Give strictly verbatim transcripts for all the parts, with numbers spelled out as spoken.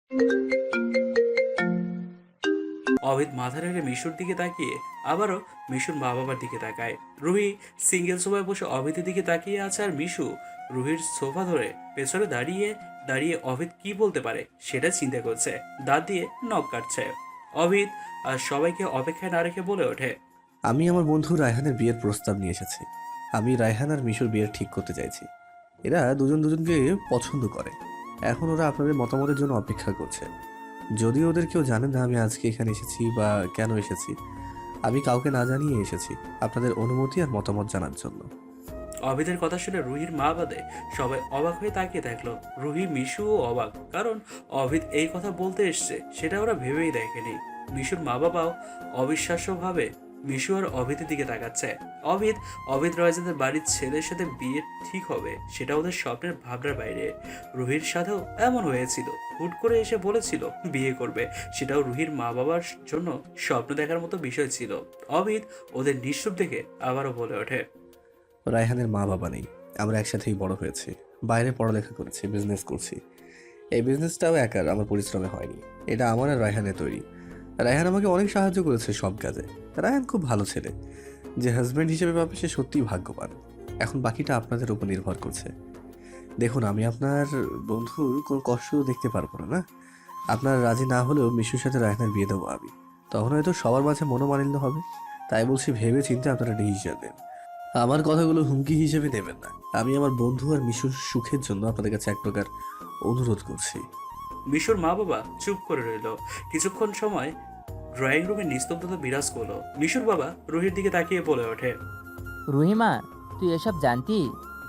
অভিদ মাথা রেখে মিশুর দিকে তাকিয়ে আবারও মিশুর মা বাবার দিকে তাকায়। রুহি সিঙ্গেল সোফায় বসে অভিদের দিকে তাকিয়ে আছে, আর মিশু রুহির সোফা ধরে পেছনে দাঁড়িয়ে দাঁড়িয়ে অভিদ কি বলতে পারে সেটা চিন্তা করছে, দাঁত দিয়ে নখ কাটছে। অভিদ আর সবাইকে অপেক্ষায় না রেখে বলে ওঠে, আমি আমার বন্ধু রায়হানের বিয়ের প্রস্তাব নিয়ে এসেছি। আমি রায়হান আর মিশুর বিয়ের ঠিক করতে চাইছি। এরা দুজন দুজনকে পছন্দ করে। এখন ওরা আপনাদের মতামতের জন্য অপেক্ষা করছে। যদিও ওদের কেউ জানে না আমি আজকে এখানে এসেছি বা কেন এসেছি, আমি কাউকে না জানিয়ে এসেছি আপনাদের অনুমতি আর মতামত জানার জন্য। অভিদের কথা শুনে রুহির মা বাদে সবাই অবাক হয়ে তাকিয়ে থাকলো। রুহি মিশুও অবাক, কারণ অভিদ এই কথা বলতে এসছে সেটা ওরা ভেবেই দেখেনি। মিশুর মা বাবাও অবিশ্বাস্যভাবে মিশু আর অভিদের দিকে তাকাচ্ছে। অভিদ অভিদ রয়জাদের বাড়ির ছেলের সাথে বিয়ে ঠিক হবে সেটা ওদের স্বপ্নের ভাবনার বাইরে। রুহির সাথেও এমন হয়েছিল, হুট করে এসে বলেছিল বিয়ে করবে, সেটাও রুহির মা বাবার জন্য স্বপ্ন দেখার মতো বিষয় ছিল। অভিদ ওদের নিঃসুপ দেখে আবারও বলে ওঠে, রায়হানের মা বাবা নেই, আমরা একসাথেই বড় হয়েছি, বাইরে পড়ালেখা করেছি, বিজনেস করছি। এই বিজনেসটাও একার আমার পরিশ্রমে হয়নি, এটা আমার আর রায়হানের তৈরি। রায়হান আমাকে অনেক সাহায্য করেছে সব কাজে। রায়হান খুব ভালো ছেলে, যে হাজব্যান্ড হিসেবে পাবে সে সত্যিই ভাগ্যবান। এখন বাকিটা আপনাদের উপর নির্ভর করছে। দেখুন, আমি আপনার বন্ধুর কোনো কষ্ট দেখতে পারবো না না আপনার রাজি না হলেও মিশুর সাথে রায়হানের বিয়ে দেবো আমি। তখন হয়তো সবার মাঝে মনোমালিন্য হবে। তাই বলছি, ভেবে চিন্তে আপনারা ডিসিশন নেন। আমার কথাগুলো হুমকি হিসেবে নেবেন না। আমি আমার বন্ধু আর মিশুর সুখের জন্য আপনাদের কাছে এক প্রকার অনুরোধ করছি। মিশুর মা বাবা চুপ করে রইল। কিছুক্ষণ সময় ড্রয়িং রুমে নিস্তব্ধতা বিরাজ করলো। মিশুর বাবা রুহির দিকে তাকিয়ে বলে ওঠে, রুহিমা, তুই এসব জানতি?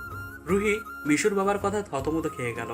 রুহি মিশুর বাবার কথা থতমত খেয়ে গেল।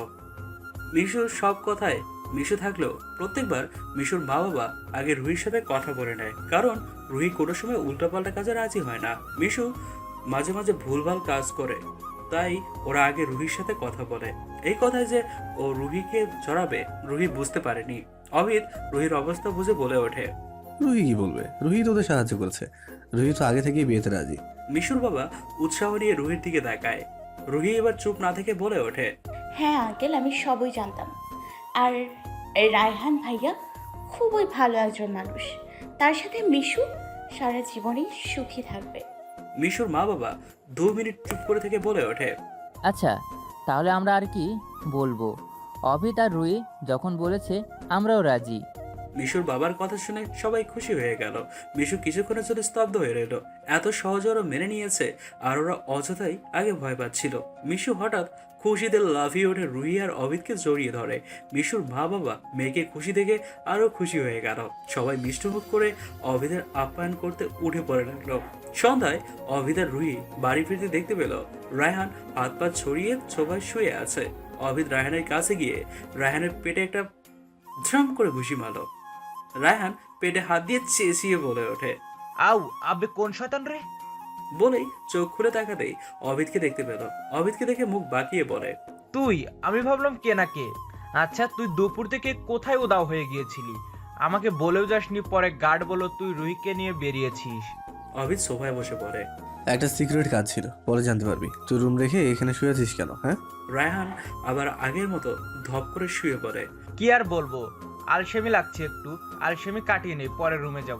মিশুর সব কথায় মিশু থাকলেও প্রত্যেকবার মিশুর মা বাবা আগে রুহির সাথে কথা বলে নেয়, কারণ রুহি কোনো সময় উল্টাপাল্টা কাজে রাজি হয় না। মিশু মাঝে মাঝে ভুলভাল কাজ করে, তাই ওরা আগে রুহির সাথে কথা বলে। এই কথায় যে ও রুহিকে জড়াবে রুহি বুঝতে পারেনি। অমিত রুহির অবস্থা বুঝে বলে ওঠে, রুহি কি বলবে? রুহি তো ওদের সাহায্য করেছে। রুহি তো আগে থেকেই বিয়েতে রাজি। মিশুর বাবা উৎসাহ নিয়ে রুহির দিকে তাকায়। রুহি এবার চুপ না থেকে বলে ওঠে, হ্যাঁ আঙ্কেল, আমি সবই জানতাম। আর রায়হান ভাইয়া খুবই ভালো একজন মানুষ। তার সাথে মিশু সারা জীবনই সুখী থাকবে। মিশুর মা বাবা দু মিনিট চুপ করে থেকে বলে ওঠে, আচ্ছা, তাহলে আমরা আর কি বলবো? অভিত আর রুহি যখন বলেছে আমরাও রাজি। মিশুর বাবার কথা শুনে সবাই খুশি হয়ে গেল। মিশু কিছুক্ষণের জন্য স্তব্ধ হয়ে রইল। এত সহজে ওরা মেনে নিয়েছে, আর ওরা অযথাই আগে ভয় পাচ্ছিল। মিশু হঠাৎ খুশিতে লাফিয়ে ওঠে, রুহি আর অভিদকে জড়িয়ে ধরে। মিশুর মা বাবা মেয়েকে খুশি দেখে আরো খুশি হয়ে গেল। সবাই মিষ্টমুখ করে অভিদের আপ্যায়ন করতে উঠে পড়ে লাগলো। সন্ধ্যায় অভিদ আর রুহি বাড়ি ফিরতে দেখতে পেল রায়হান হাত পা ছড়িয়ে সোফায় শুয়ে আছে। অভিদ রায়হানের কাছে গিয়ে রায়হানের পেটে একটা ঝ্রাম করে ঘুষি মারল। রায়হান পেটে হাত দিয়ে চেঁচিয়ে বলে ওঠে, আউ আবে কোন শয়তান রে! বলেই চোখ খুলে তাকাতেই অভিদকে দেখতে পেল। অভিদকে দেখে মুখ বাঁকিয়ে বলে, তুই? আমি ভাবলাম কে না কে। আচ্ছা, তুই দুপুর থেকে কোথায় উদাও হয়ে গিয়েছিলি? আমাকে বলেও যাসনি, পরে গার্ড বলো তুই রুহিকে নিয়ে বেরিয়েছিস। অভিদ সোফায় বসে পড়ে। একটা সিক্রেট কাজ ছিল, পরে জানতে পারবি। তুই রুম রেখে এখানে শুয়ে আছিস কেন? হ্যাঁ, রায়হান আবার আগের মতো ধপ করে শুয়ে পড়ে। কি আর বলবো, আলসেমি লাগছে একটু। আলসেমি কাটিয়ে নেই, পরে রুমে যাব।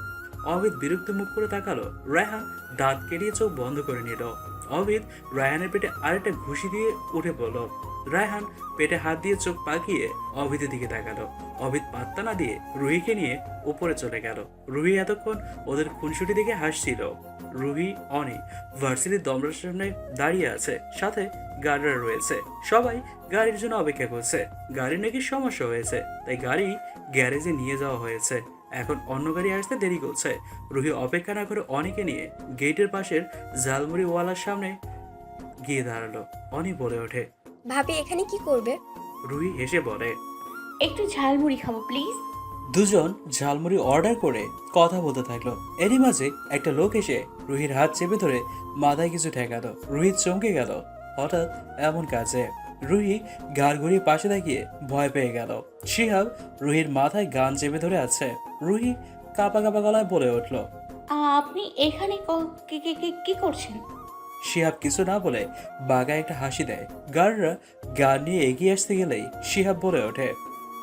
অভিদ বিরক্ত মুখ করে তাকালো। রায়হান দাঁত কেড়িয়ে চোখ বন্ধ করে নিল। অভিদ রায়হানের পেটে আরেকটা ঘুষি দিয়ে উঠে পড়ল। রায়হান পেটে হাত দিয়ে চোখ পাকিয়ে অভিদের দিকে তাকালো। অভিদ পাত্তা না দিয়ে রুহিকে নিয়ে উপরে চলে গেল। রুহি এতক্ষণ ওদের খুনসুটি দেখে হাসছিল। রুহি অনি ভার্সিটির দমরার সামনে দাঁড়িয়ে আছে, সাথে গার্ডরা রয়েছে। সবাই গাড়ির জন্য অপেক্ষা করছে। গাড়ির নাকি সমস্যা হয়েছে, তাই গাড়ি গ্যারেজে নিয়ে যাওয়া হয়েছে। এখন অন্য গাড়ি আসতে দেরি করছে। রুহি অপেক্ষা না করে অনিকে নিয়ে গেটের পাশের ঝালমুড়িওয়ালার সামনে গিয়ে দাঁড়ালো। অনি বলে ওঠে, ভাবি এখানে কি করবে? রুহি হেসে বলে, একটু ঝালমুড়ি খাবো প্লিজ। দুজন ঝালমুড়ি অর্ডার করে কথা বলতে থাকলো। এরই মাঝে একটা লোক এসে রুহির হাত চেপে ধরে মাথায় কিছু ঠেকালো। রুহি চমকে গেল হঠাৎ এমন কাজে। রুহি গাড় ঘুরিয়ে পাশে তাকিয়ে ভয় পেয়ে গেল। শিহাব রুহির মাথায় গান চেপে ধরে আছে। রুহি কাঁপা কাঁপা গলায় বলে উঠল, আপনি এখানে ক- কি কি- কি- কি করছেন? শিহাব কিছু না বলে বাগায় একটা হাসি দেয়। গার্ডরা গান নিয়ে এগিয়ে আসতে গেলেই শিহাব বলে ওঠে,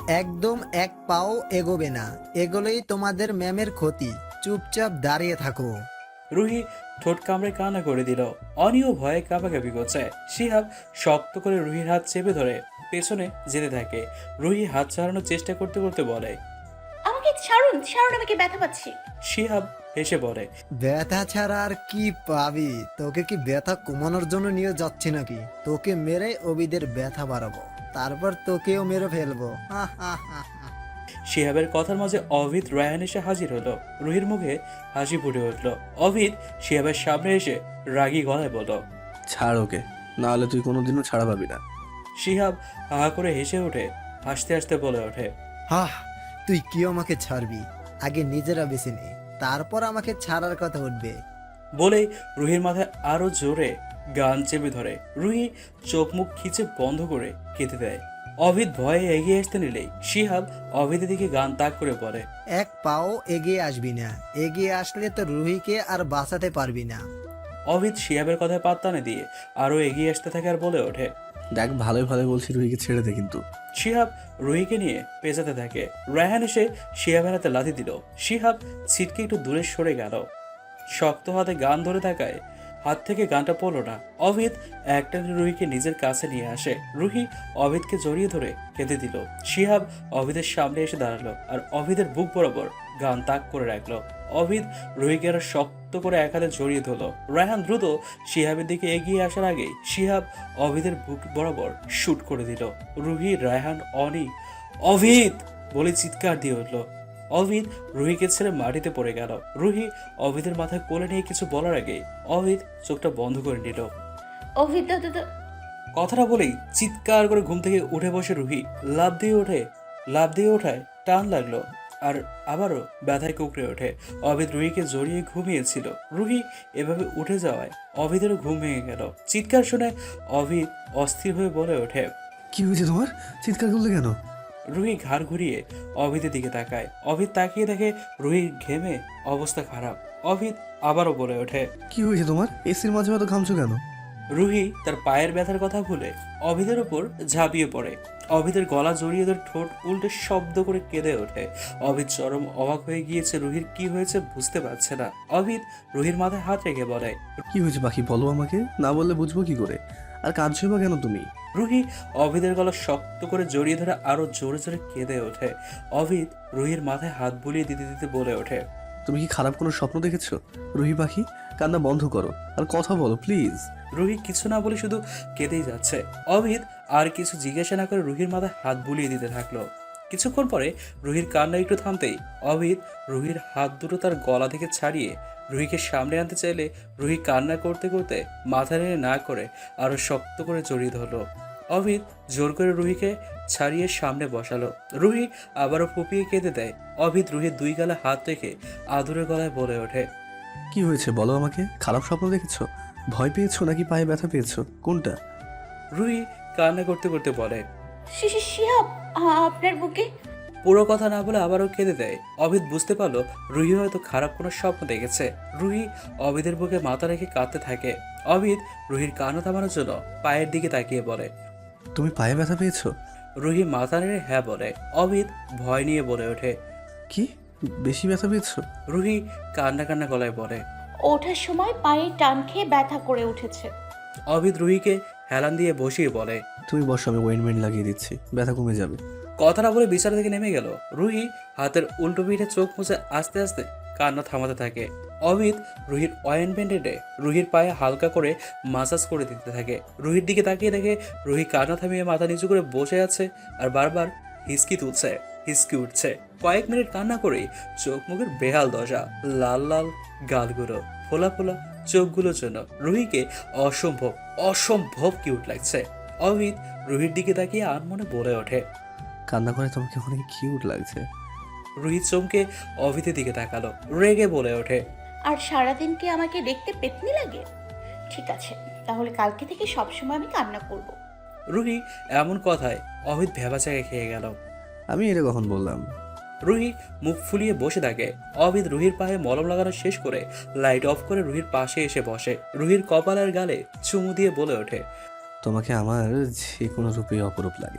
একদম এক পাও এগোবে না, এগোলেই তোমাদের ম্যামের ক্ষতি। চুপচাপ দাঁড়িয়ে থাকো। রুহি ঠোঁট কামড়ে কান্না করে দিল। অনিও ভয়ে কাঁপাকাঁপি করছে। শিহাব শক্ত করে রুহির হাত চেপে ধরে পেছনে যেতে থাকে। রুহি হাত ছাড়ানোর চেষ্টা করতে করতে বলে, আমাকে ছাড়ুন, ছাড়ুন, আমাকে ব্যথা পাচ্ছি। শিহাব হেসে বলে, ব্যথা ছাড়া আর কি পাবি? তোকে কি ব্যথা কমানোর জন্য নিয়ে যাচ্ছি নাকি? তোকে মেরে অবিদের ব্যথা বাড়াবো, তারপর তোকেও মেরে ফেলবো। হা হা হা হা। শিহাবের কথার মাঝে অভিদ রায়হান এসে হাজির হলো। রুহির মুখে হাসি ফুটে উঠল। অভিদ শিহাবের সামনে এসে রাগী গলায় বলল, ছাড় ওকে, না হলে তুই কোনোদিনও ছাড়া পাবি না। শিহাব হা করে হেসে ওঠে। হাসতে হাসতে বলে ওঠে, হাহ, তুই কি আমাকে ছাড়বি? আগে নিজেরা বেছে নে, তারপর আমাকে ছাড়ার কথা উঠবে। বলেই রুহির মাথায় আরো জোরে গান চেপে ধরে। রুহি চোখ মুখ খিচে বন্ধ করে কেঁদে দেয়। অভিদ ভয়ে এগিয়ে আসতে নিলেই শিহাব অভিদের দিকে গান তাক করে বলে, এক পাও এগিয়ে আসবি না, এগিয়ে আসলে তো রুহিকে আর বাঁচাতে পারবি না। অভিদ শিহাবের কথায় পাত্তা না দিয়ে আরো এগিয়ে আসতে থাকে আর বলে ওঠে, দেখ ভালোই ভালো বলছি, রুহিকে ছেড়ে দে কিন্তু। শিহাব রুহিকে নিয়ে পেঁচাতে থাকে। রায়হান এসে শিহাবের হাতে লাথি দিল। শিহাব ছিটকে একটু দূরে সরে গেল। শক্ত হাতে গান ধরে থাকায় হাত থেকে গানটা পড়লো না। অভিদ একটা রুহিকে নিজের কাছে নিয়ে আসে। রুহি অভিদকে জড়িয়ে ধরে কেঁদে দিল। শিহাব অভিদের সামনে এসে দাঁড়ালো আর অভিদের বুক বরাবর গান তাক করে রাখলো। অভিদ রুহিকে আরো শক্ত করে এক হাতে জড়িয়ে ধরলো। রায়হান দ্রুত শিহাবের দিকে এগিয়ে আসার আগেই শিহাব অভিদের বুক বরাবর শুট করে দিল। রুহি, রায়হান, অনি, অভিদ বলে চিৎকার দিয়ে উঠলো। অভিদ রুহিকে ছেড়ে মাটিতে পড়ে গেল। রুহি অভিদের মাথায় কোলে নিয়ে কিছু বলার আগে অভিদ চোখটা বন্ধ করে নিল। অভিদ দাদা দা- কথাটা বলেই চিৎকার করে ঘুম থেকে উঠে বসে রুহি। লাফ দিয়ে ওঠে লাফ দিয়ে ওঠায় টান লাগলো আর আবারও ব্যথায় কুকড়ে ওঠে। অভিদ রুহিকে জড়িয়ে ঘুমিয়েছিল। রুহি এভাবে উঠে যাওয়ায় অভিদেরও ঘুম ভেঙে গেল। চিৎকার শুনে অভিদ অস্থির হয়ে বলে ওঠে, কি হয়েছে তোমার? চিৎকার করলে কেন? রুহি ঘাড় ঘুরিয়ে অভিদের দিকে তাকায়। অভিদ তাকিয়ে দেখে রুহির ঘেমে অবস্থা খারাপ। অভিদ আবারও বলে ওঠে, কি হয়েছে তোমার? এসির মাঝে এত ঘামছো কেন? রুহি তার পায়ের ব্যথার কথা ভুলে অভিদের উপর ঝাঁপিয়ে পড়ে। অভিদের গলা জড়িয়ে ধরে ঠোঁট উল্টে শব্দ করে কেঁদে ওঠে। অভিদ চরম অবাক হয়ে গিয়েছে। রুহির কি হয়েছে বুঝতে পারছে না। অভিদ রুহির মাথায় হাত রেখে বলে, কি হয়েছে পাখি, বলো আমাকে, না বললে বুঝবো কি করে? আর কাঁদছো বা কেন তুমি? রুহি অভিদের গলা শক্ত করে জড়িয়ে ধরে আরো জোরে জোরে কেঁদে ওঠে। অভিদ রুহির মাথায় হাত বুলিয়ে দিতে দিতে বলে ওঠে, তুমি কি খারাপ কোনো স্বপ্ন দেখেছো? রুহি পাখি, কান্না বন্ধ করো আর কথা বলো প্লিজ। রুহি কিছু না বলে শুধু কেঁদেই যাচ্ছে। অভিদ আর কিছু জিজ্ঞাসা না করে রুহির মাথায় হাত বুলিয়ে দিতে থাকলো। কিছুক্ষণ পরে রুহির কান্না একটু থামতেই অভিদ রুহির হাত দুটো তার গলা থেকে ছাড়িয়ে রুহিকে সামনে আনতে চাইলে রুহি কান্না করতে করতে মাথা নেড়ে না করে আরো শক্ত করে জড়িয়ে ধরলো। অভিদ জোর করে রুহিকে ছাড়িয়ে সামনে বসালো। রুহি আবারও ফুপিয়ে কেঁদে দেয়। অভিদ রুহির দুই গালে হাত রেখে আদুরে গলায় বলে ওঠে, কি হয়েছে বলো আমাকে? খারাপ স্বপ্ন দেখেছো? ভয় পেয়েছো নাকি পায়ে ব্যথা পেয়েছো? কোনটা? রুহি কান্না করতে করতে বলে, শিশি শিহাব, আ- আপনার বুকে। পুরো কথা না বলে আবারও কেঁদে দেয়। অভিদ বুঝতে পারলো রুহি হয়তো খারাপ কোনো স্বপ্ন দেখেছে। রুহি অভিদের বুকে মাথা রেখে কাঁদতে থাকে। অভিদ রুহির কান্না থামানোর জন্য পায়ের দিকে তাকিয়ে বলে, তুমি পায়ে ব্যথা পেয়েছো? রুহি মাথা নেড়ে হ্যাঁ বলে। অভিদ ভয় নিয়ে বলে ওঠে, কি বেশি ব্যথা পেয়েছো? রুহি কান্না কান্না গলায় বলে। ওঠার সময় পায়ে টান খেয়ে ব্যথা করে উঠেছে। অভিদ রুহিকে হেলান দিয়ে বসিয়ে বলে, তুমি বসো, আমি ওয়েনমেন্ট লাগিয়ে দিচ্ছি, ব্যথা কমে যাবে। কথাটা বলে বিছানা থেকে নেমে গেল। রুহি হাতের উল্টো পিঠে চোখ মুছে আস্তে আস্তে কান্না থামাতে থাকে। অমিত রুহির অয়েনমেন্ট এনে রুহির পায়ে হালকা করে মাসাজ করে দিতে থাকে। রুহির দিকে তাকিয়ে দেখে রুহি কান্না থামিয়ে মাথা নিচু করে বসে আছে আর বারবার হিসকি তুলছে, হিসকি উঠছে। কয়েক মিনিট কান্না করেই চোখ মুখের বেহাল দশা, লাল লাল গালগুলো, ফোলা ফোলা চোখগুলোর জন্য রুহিকে অসম্ভব অসম্ভব কিউট লাগছে। অমিত রুহির দিকে তাকিয়ে আনমনে বলে ওঠে, কান্না করে তোমাকে অনেক কিউট লাগছে। রুহি চমকে অভিতের দিকে তাকালো, রেগে বলে ওঠে, আর সারাদিন কি আমাকে দেখতে পেতনি লাগে? ঠিক আছে, তাহলে কালকে থেকে সবসময় আমি কান্না করব। রুহি এমন কথায় অভিত ভেবাচাকে খেয়ে গেল। আমি এটা কখন বললাম? রুহি মুখ ফুলিয়ে বসে থাকে। অভিত রুহির পায়ে মলম লাগানো শেষ করে লাইট অফ করে রুহির পাশে এসে বসে। রুহির কপালের গালে চুমু দিয়ে বলে ওঠে, তোমাকে আমার যে কোনো রূপে অপরূপ লাগে,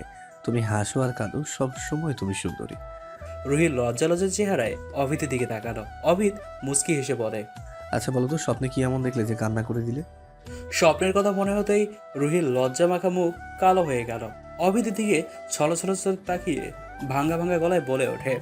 তুমি হাসো আর কাঁদো, সব সময় তুমি সুন্দরী। রুহির লজ্জা লজ্জার চেহারায় অভিতের দিকে তাকালো। অভিত মুচকি হেসে বলে, আচ্ছা বলো তো, স্বপ্নে কি এমন দেখলে যে কান্না করে দিলে? স্বপ্নের কথা মনে হতেই রুহির লজ্জা মাখা মুখ কালো হয়ে গেল। অভিতের দিকে ছলো ছলো চোখ তাকিয়ে ভাঙ্গা ভাঙ্গা গলায় বলে ওঠে,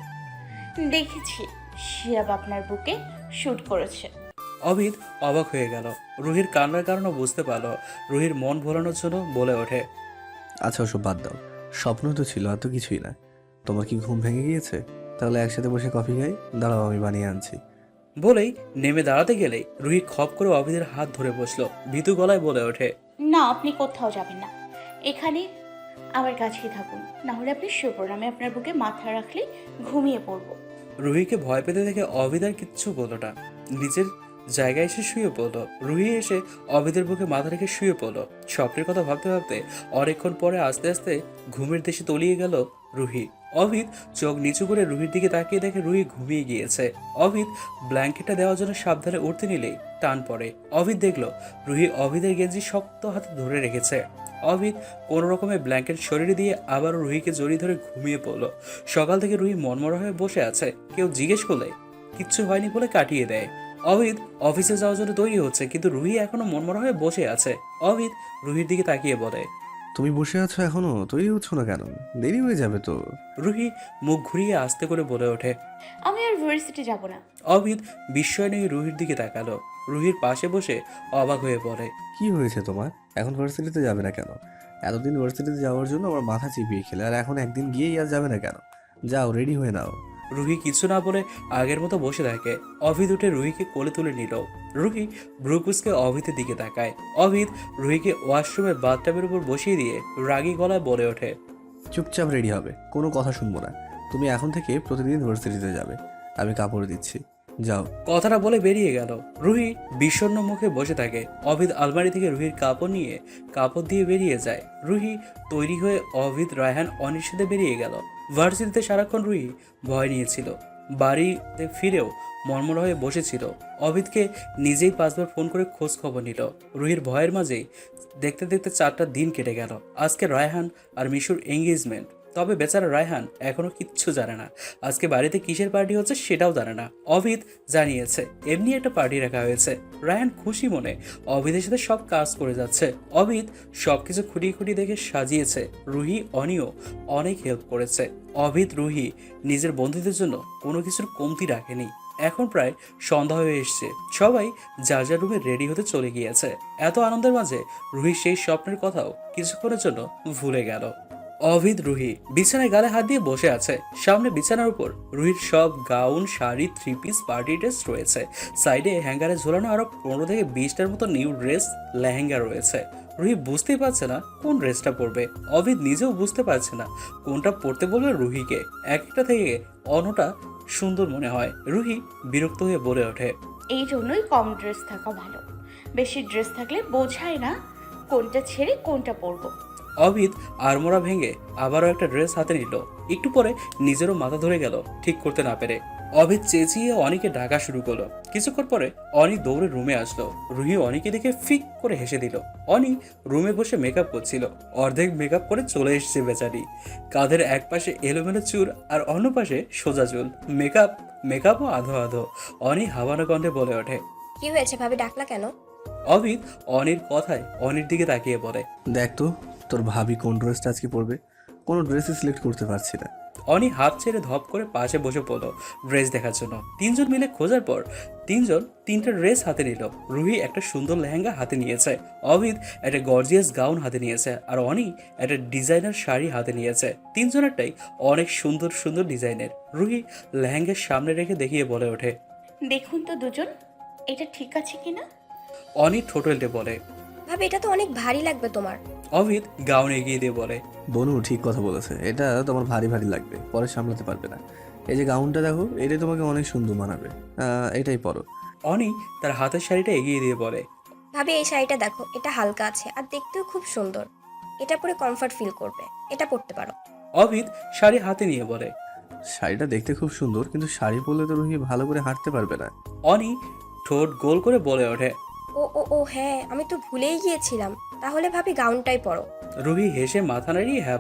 দেখেছি শিয়াব আপনার বুকে শ্যুট করেছে। অভিত অবাক হয়ে গেল। রুহির কান্নার কারণও বুঝতে পারলো। রুহির মন ভোলানোর জন্য বলে ওঠে, আচ্ছা ওসব বাদ দাও, স্বপ্ন তো ছিল, আর তো কিছুই না। তোমার কি ঘুম ভেঙে গিয়েছে? তাহলে একসাথে বসে কফি খাই, দাঁড়াও আমি বানিয়ে আনছি। বলেই নেমে দাঁড়াতে গেলেই রুহি খপ করে অভিদের হাত ধরে বসলো। ভীতু গলায় বলে ওঠে, না, আপনি কোথাও যাবেন না, এখানে আমার কাছেই থাকুন, না হলে আপনি শুয়ে পড়ুন। আমি আপনার বুকে মাথা রাখলে ঘুমিয়ে পড়বো। রুহিকে ভয় পেতে দেখে অভিদ আর কিচ্ছু বলল না, নিজের জায়গায় এসে শুয়ে পড়লো। রুহি এসে অভিদের বুকে মাথা রেখে শুয়ে পড়লো। স্বপ্নের কথা ভাবতে ভাবতে অনেকক্ষণ পরে আস্তে আস্তে ঘুমের দেশে তলিয়ে গেল রুহি। অভিদ চোখ নিচু করে রুহির দিকে তাকিয়ে দেখে রুহি ঘুমিয়ে গিয়েছে। অভিদ ব্ল্যাঙ্কেটটা দেওয়ার জন্য সাবধানে উঠতে নিলেই টান পড়ে। অভিদ দেখলো রুহি অভিদের গেঞ্জি শক্ত হাতে ধরে রেখেছে। অভিদ কোনো রকমে ব্ল্যাঙ্কেট শরীরে দিয়ে আবারও রুহিকে জড়িয়ে ধরে ঘুমিয়ে পড়লো। সকাল থেকে রুহি মনমরা হয়ে বসে আছে। কেউ জিজ্ঞেস করলে কিচ্ছু হয়নি বলে কাটিয়ে দেয়। অভিদ অফিসে যাওয়ার জন্য তৈরি হচ্ছে, কিন্তু রুহি এখনো মনমরা হয়ে বসে আছে। অভিদ রুহির দিকে তাকিয়ে বলে, তুমি বসে আছো এখনো, তৈরি হচ্ছ না কেন? দেরি হয়ে যাবে তো। রুহি মুখ ঘুরিয়ে আস্তে করে বলে ওঠে, আমি আর ইউনিভার্সিটি যাব না। অভিদ বিস্ময় নিয়ে রুহির দিকে তাকালো। রুহির পাশে বসে অবাক হয়ে পড়ে, কি হয়েছে তোমার? এখন ভার্সিটিতে যাবে না কেন? এতদিন ভার্সিটিতে যাওয়ার জন্য আমার মাথা চিপিয়ে খেলে, আর এখন একদিন গিয়েই আর যাবে না কেন? যাও রেডি হয়ে নাও। রুহি কিছু না বলে আগের মতো বসে থাকে। অভিদ উঠে রুহিকে কোলে তুলে নিল। রুহি ব্রুকুসকে অভিদের দিকে তাকায়। অভিদ রুহিকে ওয়াশরুমে বাথটাবের উপর বসিয়ে দিয়ে রাগী গলায় বলে ওঠে, চুপচাপ রেডি হবে, কোনো কথা শুনবো না। তুমি এখন থেকে প্রতিদিন ভার্সিটিতে যাবে, আমি কাপড় দিচ্ছি, যাও। কথাটা বলে বেরিয়ে গেল। রুহি বিষণ্ণ মুখে বসে থাকে। অভিদ আলমারি থেকে রুহির কাপড় নিয়ে কাপড় দিয়ে বেরিয়ে যায়। রুহি তৈরি হয়ে অভিদ, রায়হান, অনির সাথে বেরিয়ে গেল। ভার্সিটিতে সারাক্ষণ রুহি ভয় নিয়েছিল। বাড়িতে ফিরেও মর্মরা হয়ে বসেছিল। অভিদকে নিজেই পাঁচবার ফোন করে খোঁজ খবর নিল। রুহির ভয়ের মাঝেই দেখতে দেখতে চারটা দিন কেটে গেল। আজকে রায়হান আর মিশুর এঙ্গেজমেন্ট। তবে বেচারা রায়হান এখনো কিচ্ছু জানে না আজকে বাড়িতে কিসের পার্টি হচ্ছে, সেটাও জানে না। অভিদ জানিয়েছে এমনি একটা পার্টি রাখা হয়েছে। রায়হান খুশি মনে অভিদের সাথে সব কাজ করে যাচ্ছে। অভিদ সবকিছু খুঁটিয়ে খুঁটিয়ে দেখে সাজিয়েছে। রুহি অনিও অনেক হেল্প করেছে। অভিদ রুহি নিজের বন্ধুদের জন্য কোনো কিছুর কমতি রাখেনি। এখন প্রায় সন্ধ্যা হয়ে এসছে। সবাই যার যার রুমে রেডি হতে চলে গিয়েছে। এত আনন্দের মাঝে রুহি সেই স্বপ্নের কথাও কিছুক্ষণের জন্য ভুলে গেল। অভিদ রুহি বিছানায় গালে হাত দিয়ে বসে আছে। সামনে বিছানার উপর রুহির সব gown, sari, three piece, party dress রয়েছে। সাইডে হ্যাঙ্গারে ঝোলানো আরো পনেরো থেকে বিশটার মতো নিউ ড্রেস, লেহেঙ্গা রয়েছে। রুহি বুঝতেই পারছে না কোন ড্রেসটা পরবে। অভিদ নিজেও বুঝতে পারছে না কোনটা পরতে বলবে রুহিকে। এক একটা থেকে অন্যটা সুন্দর মনে হয়। রুহি বিরক্ত হয়ে বলে ওঠে, এই জন্যই কম ড্রেস থাকা ভালো। বেশি ড্রেস থাকলে বোঝায় না কোনটা ছেড়ে কোনটা পরবো। অভিদ আড়মোড়া ভেঙে আবারও একটা ড্রেস হাতে নিল। একটু পরে নিজেরও মাথা ধরে গেল ঠিক করতে না পেরে। অভিদ চেঁচিয়ে অনিকে ডাকা শুরু করলো। কিছুক্ষণ পরে অনি দৌড়ে রুমে আসলো। রুহি অনিকে দেখে ফিক করে হেসে দিল। অনি রুমে বসে মেকআপ করছিল। অর্ধেক মেকআপ করে চলে এসেছে বেচারি। কাঁধের এক পাশে এলোমেলো চুল আর অন্য পাশে সোজা চুল। মেকআপ মেকআপও আধো আধো। অনি হাওয়ানো কণ্ঠে বলে ওঠে, কি হয়েছে ভাবি, ডাকলা কেন? অভিদ অনির কথায় অনির দিকে তাকিয়ে বলে, দেখ তো তোর ভাবি কোন ড্রেসটা আজকে পরবে, কোনো ড্রেসই সিলেক্ট করতে পারছি না। অনি হাফ ছেড়ে ধপ করে পাশে বসে পড়লো ড্রেস দেখার জন্য। তিনজন মিলে খোঁজার পর তিনজন তিনটা ড্রেস হাতে নিল। রুহি একটা সুন্দর লেহেঙ্গা হাতে নিয়েছে, অভিদ একটা গর্জিয়াস গাউন হাতে নিয়েছে, আর অনি একটা ডিজাইনার শাড়ি হাতে নিয়েছে। তিনজনেরটাই অনেক সুন্দর সুন্দর ডিজাইনের। রুহি লেহেঙ্গার সামনে রেখে দেখিয়ে বলে ওঠে, দেখুন তো দুজন, এটা ঠিক আছে কিনা? অনি ঠোঁটলটে বলে। ভাবি এটা তো অনেক ভারী লাগবে তোমার। অভিদ গাউন এগিয়ে দিয়ে বলে, বনু ঠিক কথা বলেছে, এটা তোমার ভারী ভারী লাগবে, পরে সামলাতে পারবে না। এই যে গাউনটা দেখো, এটাই তোমাকে অনেক সুন্দর মানাবে, আহ, এটাই পরো। অনি তার হাতের শাড়িটা এগিয়ে দিয়ে বলে, ভাবি এই শাড়িটা দেখো, এটা হালকা আছে আর দেখতেও খুব সুন্দর, এটা পরে কমফর্ট ফিল করবে, এটা পরতে পারো। অভিদ শাড়ি হাতে নিয়ে বলে, শাড়িটা দেখতে খুব সুন্দর, কিন্তু শাড়ি পরলে তো রুহি ভালো করে হাঁটতে পারবে না। অনি ঠোঁট গোল করে বলে ওঠে। ও ও ও হ্যাঁ, আমি তো ভুলেই গিয়েছিলাম, তাহলে ভাবি গাউনটাই পরো। রুহি হেসে মাথা নাড়িয়ে হ্যাঁ বলে।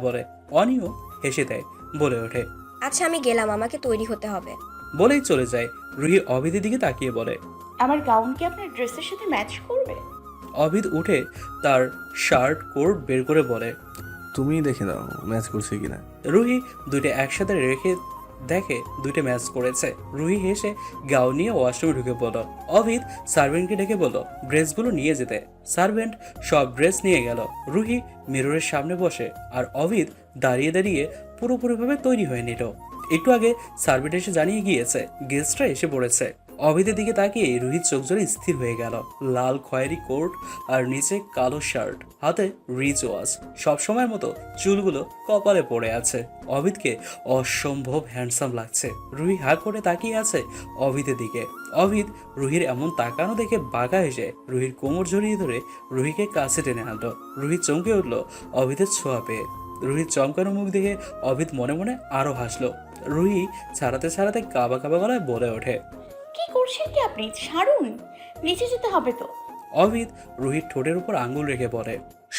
অনিও হেসে দেয়, বলে ওঠে। আচ্ছা আমি গেলাম, আমাকে তৈরি হতে হবে। বলেই চলে যায়। রুহি অভিদের দিকে তাকিয়ে বলে, আমার গাউন কি আপনার ড্রেসের সাথে ম্যাচ করবে? অভিদ উঠে তার শার্ট কোট বের করে বলে। তুমি দেখে নাও ম্যাচ করছে কিনা। রুহি দুইটা একসাথে রেখে দেখে দুইটা ম্যাচ করেছে। রুহি হেসে গাউন নিয়ে ওয়াশরুমে ঢুকে পড়ল। অভিদ সার্ভেন্টকে ডেকে বলল ড্রেসগুলো নিয়ে যেতে। সার্ভেন্ট সব ড্রেস নিয়ে গেল। রুহি মিররের সামনে বসে আর অভিদ দাঁড়িয়ে দাঁড়িয়ে পুরোপুরিভাবে তৈরি হয়ে নিল। একটু আগে সার্ভেন্ট এসে জানিয়ে গিয়েছে গেস্টরা এসে পড়েছে। অভিদের দিকে তাকিয়ে রুহির চোখ জোরে স্থির হয়ে গেল। লাল খয়েরি কোট আর নিচে কালো শার্ট, হাতে রিচ ওয়াচ, সবসময়ের মতো চুলগুলো কপালে পড়ে আছে। অভিদকে অসম্ভব হ্যান্ডসাম লাগছে। রুহি হা করে তাকিয়ে আছে অভিদের দিকে। অভিদ রুহির এমন তাকানো দেখে বাঁকা হেসে রুহির কোমর জড়িয়ে ধরে রুহিকে কাছে টেনে আনলো। রুহি চমকে উঠল অভিদের ছোঁয়া পেয়ে। রুহির চমকানো মুখ দেখে অভিদ মনে মনে আরো হাসলো। রুহি ছাড়াতে ছাড়াতে কাবা কাবা গলায় বলে ওঠে, কি করছেন কি আপনি? ছাড়ুন, নিচে যেতে হবে তো। অভিদ রুহির ঠোঁটের উপর আঙ্গুল রেখে বলে,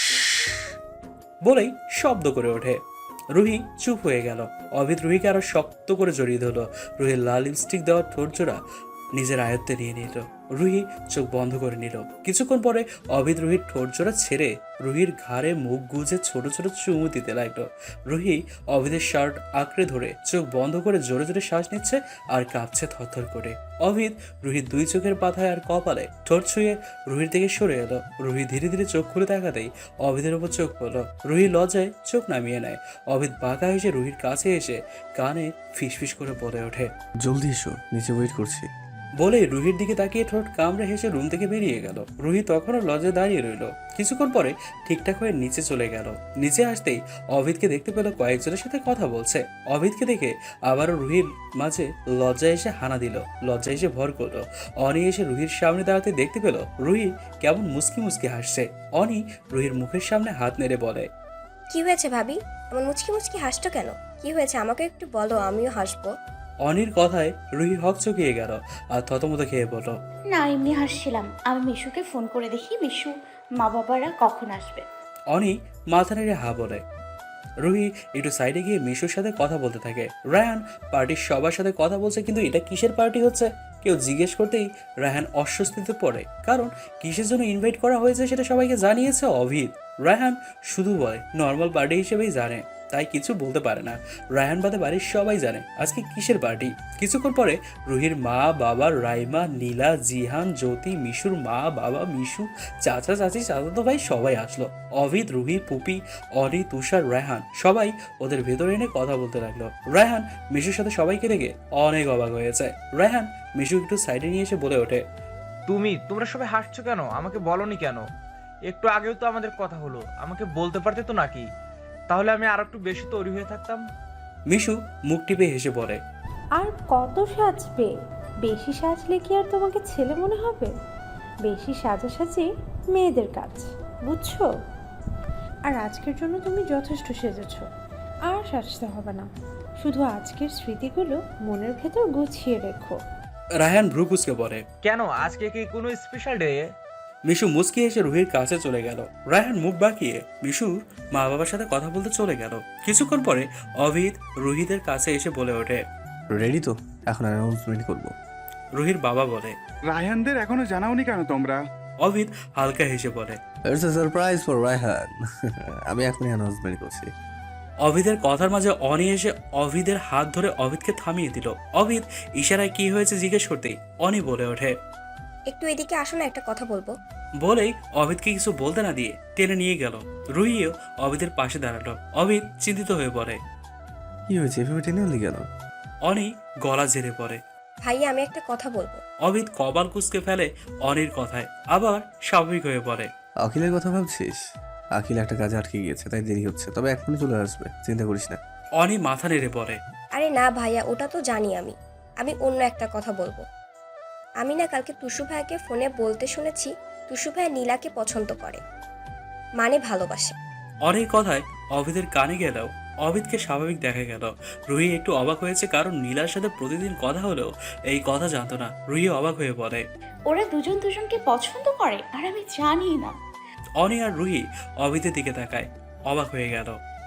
বলেই শব্দ করে ওঠে। রুহি চুপ হয়ে গেল। অভিদ রুহিকে আরো শক্ত করে জড়িয়ে ধরল। রুহির লাল লিপস্টিক দেওয়ার ঠোঁট জোড়া নিজের আয়ত্তে নিয়ে নিল। রুহি চোখ বন্ধ করে নিল। কিছুক্ষণ পরে অভিদ রুহির ঠোঁট জোড়া ছেড়ে রুহির ঘাড়ে মুখ গুজে ছোট ছোট চুমু দিতে লাগলো। রুহি অভিদের শার্ট আঁকড়ে ধরে চোখ বন্ধ করে জোরে জোরে শ্বাস নিচ্ছে আর কাঁপছে থরথর করে। অভিদ রুহির দুই চোখের পাতায় আর কপালে ঠোঁট ছুঁয়ে রুহির থেকে সরে এলো। রুহি ধীরে ধীরে চোখ খুলে তাকাতেই অভিদের উপর চোখ পড়লো। রুহি লজ্জায় চোখ নামিয়ে নেয়। অভিদ বাঁকা এসে রুহির কাছে এসে কানে ফিসফিস করে বলে ওঠে, জলদি এসো, নিচে ওয়েট করছি। বলে রুহির দিকে তাকিয়ে ঠোঁট কামড়ে হেসে রুম থেকে বেরিয়ে গেল। রুহি তখনও লজ্জায় দাঁড়িয়ে রইল। কিছুক্ষণ পরে ঠিকঠাক হয়ে নিচে চলে গেল। নিচে আসতেই অভিদকে দেখতে পেল কয়েকজনের সাথে কথা বলছে। অভিদকে দেখে আবারও রুহির মাঝে লজ্জায় এসে হানা দিল। লজ্জায় এসে ভর করলো। অনি এসে রুহির সামনে দাঁড়াতে দেখতে পেল রুহি কেমন মুসকি মুসকি হাসছে। অনি রুহির মুখের সামনে হাত নেড়ে বলে, কি হয়েছে ভাবি, এমন মুচকি মুচকি হাসছো কেন? কি হয়েছে আমাকে একটু বলো, আমিও হাসবো। অনির কথায় রুহি হকচকিয়ে গেল আর থতমত খেয়ে বলল, না, এমনি হাসছিলাম। আমি মিশুকে ফোন করে দেখি মিশু মা বাবারা কখন আসবে। অনি মাথা নেড়ে হা বলে। রুহি একটু সাইডে গিয়ে মিশুর সাথে কথা বলতে থাকে। রায়হান পার্টির সবার সাথে কথা বলছে, কিন্তু এটা কিসের পার্টি হচ্ছে কেউ জিজ্ঞেস করতেই রায়হান অস্বস্তিতে পড়ে। কারণ কিসের জন্য ইনভাইট করা হয়েছে সেটা সবাইকে জানিয়েছে অভিদ। রায়হান শুধু বলে নর্মাল পার্টি হিসেবেই জানে, তাই কিছু বলতে পারে না। রায়হান বাদে বাড়ির সবাই জানে আজকে কিসের পার্টি। কিছুক্ষণ পরে রুহির মা বাবা, রাইমা, নীলা, জিহান, জ্যোতি, মিশুর মা বাবা, মিশু, চাচা চাচি, চাচাতো ভাই সবাই আসলো। অভিদ, রুহি, পুপি, অনি, তুষার, রায়হান সবাই ওদের ভেতরে এনে কথা বলতে লাগলো। রায়হান মিশুর সাথে সবাইকে দেখে অনেক অবাক হয়েছে। রায়হান মিশু একটু সাইডে নিয়ে এসে বলে ওঠে, তুমি তোমরা সবাই হাসছো কেন? আমাকে বলনি কেন? একটু আগেও তো আমাদের কথা হলো, আমাকে বলতে পারতে তো নাকি? তাহলে আমি আর একটু বেশি তৈরি হয়ে থাকতাম। মিশু মুখ টিপে হেসে বলে, আর কত সাজবে? বেশি সাজলে কি আর তোমাকে ছেলে মনে হবে? বেশি সাজাসাজি মেয়েদের কাজ, বুঝছো? আর আজকের জন্য তুমি যথেষ্ট সেজেছ, আর সাজতে হবে না। শুধু আজকের স্মৃতিগুলো মনের ভেতর গুছিয়ে রেখো। রায়হান ভ্রু কুঁচকে বলে, কেন, আজকে কি কোনো স্পেশাল ডে? মিশু মুচকি এসে রুহির কাছে চলে গেল। রায়হান মুখ বাঁকিয়ে মিশুর মা বাবার সাথে কথা বলতে চলে গেল। কিছুক্ষণ পরে অভিদ রুহিদের কাছে এসে বলে ওঠে, রেডি তো? এখন অ্যানাউন্সমেন্ট করবো। রুহির বাবা বলে, রায়হানদের এখনো জানাওনি কেন তোমরা? অভিদ হালকা হেসে বলে, it's a surprise for Raihan. আমি এখনই অ্যানাউন্সমেন্ট করছি। অভিদের কথার মাঝে অনি এসে অভিদের হাত ধরে অভিদকে থামিয়ে দিল। অভিদ ইশারায় কি হয়েছে জিজ্ঞেস করতেই অনি বলে ওঠে, একটু এদিকে আসো না, একটা কথা বলবো। বলেই অভিদকে কিছু বলতে না দিয়ে টেনে নিয়ে গেল। রুহিও অভিদের পাশে দাঁড়ালো। অভিদ চিন্তিত হয়ে পড়ে। কি হয়েছে, এভাবে টেনে আনলি কেন? অনি গলা ঝেড়ে পড়ে। ভাইয়া আমি একটা কথা বলবো। অভিদ কপাল কুঁচকে ফেলে অনির কথায়, আবার স্বাভাবিক হয়ে পড়ে। আখিলের কথা ভাবছিস? আখিল একটা কাজে আটকে গিয়েছে, তাই দেরি হচ্ছে, তবে এখনই চলে আসবে, চিন্তা করিস না। অনি মাথা নেড়ে পড়ে। আরে না ভাইয়া, ওটা তো জানি আমি। আমি অন্য একটা কথা বলবো। আমি না কালকে টুসু ভাইয়াকে ফোনে বলতে শুনেছি টুসু ভাইয়া নীলাকে পছন্দ করে, মানে ভালোবাসে। অনির কথায় অভিদের কানে গেলেও অভিদকে স্বাভাবিক দেখা গেল। রুহি একটু অবাক হয়েছে, কারণ নীলার সাথে প্রতিদিন কথা হলেও এই কথা জানতো না। রুহি অবাক হয়ে পড়ে। ওরা দুজন দুজনকে পছন্দ করে আর আমি জানি না। অনি আর রুহি অভিদের দিকে তাকায়, অবাক হয়ে গেল।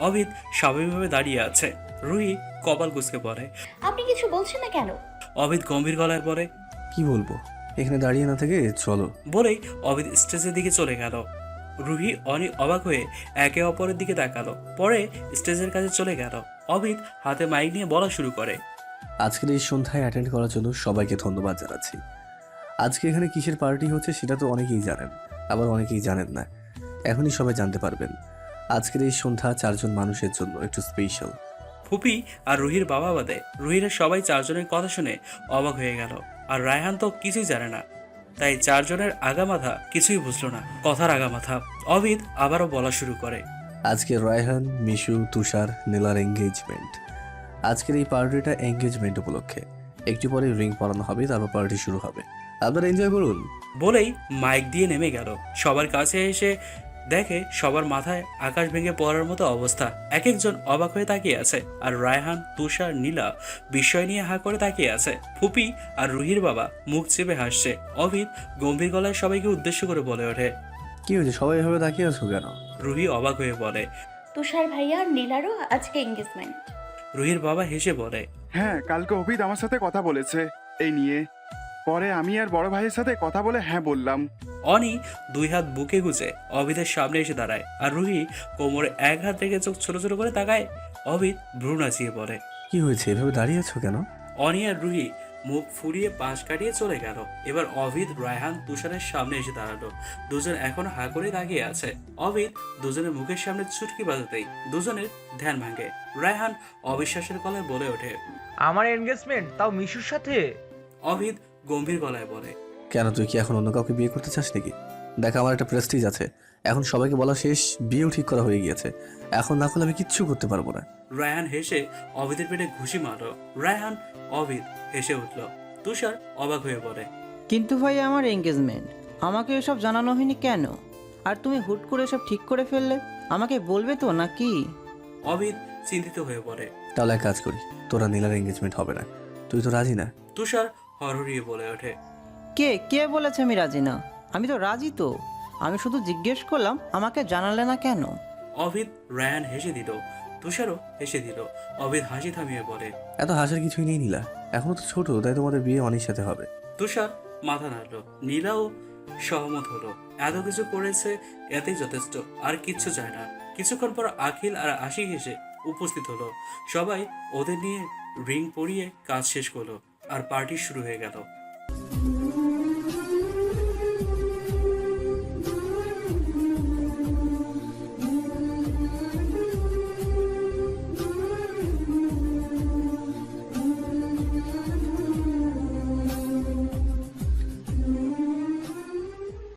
অভিদ স্বাভাবিকভাবে দাঁড়িয়ে আছে। রুহি কপাল কুঁচকে পড়ে। আপনি কিছু বলছেন না কেন? অভিদ গম্ভীর গলায় বলে। কি বলবো, এখানে দাঁড়িয়ে না থেকে চলো। বলেই অভিদ স্টেজের দিকে চলে গেল। রুহি অনি অবাক হয়ে একে অপরের দিকে তাকালো, পরে স্টেজের কাছে চলে গেল। অভিদ হাতে মাইক নিয়ে বলা শুরু করে। আজকের এই সন্ধ্যায় অ্যাটেন্ড করার জন্য সবাইকে ধন্যবাদ জানাচ্ছি। আজকে এখানে কিসের পার্টি হচ্ছে সেটা তো অনেকেই জানেন, আবার অনেকেই জানেন না। এখনই সবাই জানতে পারবেন। আজকের এই সন্ধ্যা চারজন মানুষের জন্য একটু স্পেশাল। ফুপি আর রুহির বাবা বাদে রুহিরা সবাই চারজনের কথা শুনে অবাক হয়ে গেল। আর রায়হান তো কিছুই জানে না, তাই চারজনের আগামাথা কিছুই বুঝলো না, কথার আগামাথা। অভিদ আবারও বলা শুরু করে। আজকে রায়হান, মিশু, তুষার, নীলার এঙ্গেজমেন্ট। আজকের এই পার্টিটা এঙ্গেজমেন্ট উপলক্ষে। একটু পরে রিং পরানো হবে, তারপর পার্টি শুরু হবে। আপনারা এনজয় করুন। বলেই মাইক দিয়ে নেমে গেল। সবার কাছে এসে দেখে সবার মাথায় আকাশ ভেঙে পড়ার মতো অবস্থা। এক একজন অবাক হয়ে তাকিয়ে আছে, আর রায়হান, তুষার, নীলা বিস্ময় নিয়ে হা করে তাকিয়ে আছে। ফুপি আর রুহির বাবা মুখ চেপে হাসছে। অভিদ গম্ভীর গলায় সবাইকে উদ্দেশ্য করে বলে ওঠে। কি হয়েছে, সবাই এভাবে তাকিয়ে আছো কেন? রুহি অবাক হয়ে বলে। তুষার ভাইয়া আর নীলারও আজকে এঙ্গেজমেন্ট। রুহির বাবা হেসে বলে। হ্যাঁ, কালকে অভিদ আমার সাথে কথা বলেছে এই নিয়ে। পরে আমি আর বড় ভাইয়ের সাথে কথা বলে হ্যাঁ বললাম। অনি দুই হাত বুকে গুজে অভিদের সামনে এসে দাঁড়ায়, আর রুহি কোমরে এক হাত রেখে চোখ ছোট ছোট করে তাকায়। অভিদ ভ্রু নাচিয়ে বলে। কি হয়েছে, এভাবে দাঁড়িয়ে আছো কেন? অনি আর রুহি মুখ ফুরিয়ে পাশ কাটিয়ে চলে গেল। এবার অভিদ, রায়হান, তুষারের সামনে এসে দাঁড়ালো। দুজন এখন হা করে তাকিয়ে আছে। অভিদ দুজনের মুখের সামনে চুটকি বাজাতেই দুজনের ধ্যান ভাঙে। রায়হান অবিশ্বাসের গলায় বলে ওঠে। আমার এনগেজমেন্ট, তাও মিশুর সাথে? অভিদ গম্ভীর গলায় বলে। কেন, তুই কি এখন অন্য কাউকে বিয়ে করতে চাস নাকি? দেখ, আমার একটা প্রেস্টিজ আছে। এখন সবাইকে বলা শেষ, বিয়েও ঠিক করা হয়ে গিয়েছে। এখন না করলে আমি কিচ্ছু করতে পারবো না। রায়হান হেসে অভিদের পেটে ঘুষি মারল। রায়হান, অভিদ হেসে উঠল। তুষার অবাক হয়ে বলে। কিন্তু ভাই, আমার এঙ্গেজমেন্ট, আমাকে এসব জানানো হয়নি কেন? আর তুমি হুট করে এসব ঠিক করে ফেললে, আমাকে বলবে তো নাকি? অভিদ চিন্তিত হয়ে পড়ে। তাহলে এক কাজ করি, তোরা নীলার এঙ্গেজমেন্ট হবে না। তুই তো রাজি না। তুষার হরহরিয়ে বলে ওঠে। কে কে বলেছে আমি রাজি না? আমি তো রাজি তো। আমি শুধু জিজ্ঞেস করলাম, আমাকে জানালে না কেন? অভিদ, রায়হান হেসে দিল। তুষারও হেসে দিল। অভিদ হাসি থামিয়ে বলে। এত হাসার কিছুই নেই নীলা, এখনো তো ছোট, তাই তোমাদের বিয়ে অনেক সাথে হবে। তুষার মাথা নাড়ল। নীলাও সহমত হলো। এত কিছু করেছে, এতেই যথেষ্ট, আর কিচ্ছু চায় না। কিছুক্ষণ পর আখিল আর আশিক এসে উপস্থিত হলো। সবাই ওদের নিয়ে রিং পরিয়ে কাজ শেষ করলো, আর পার্টি শুরু হয়ে গেল।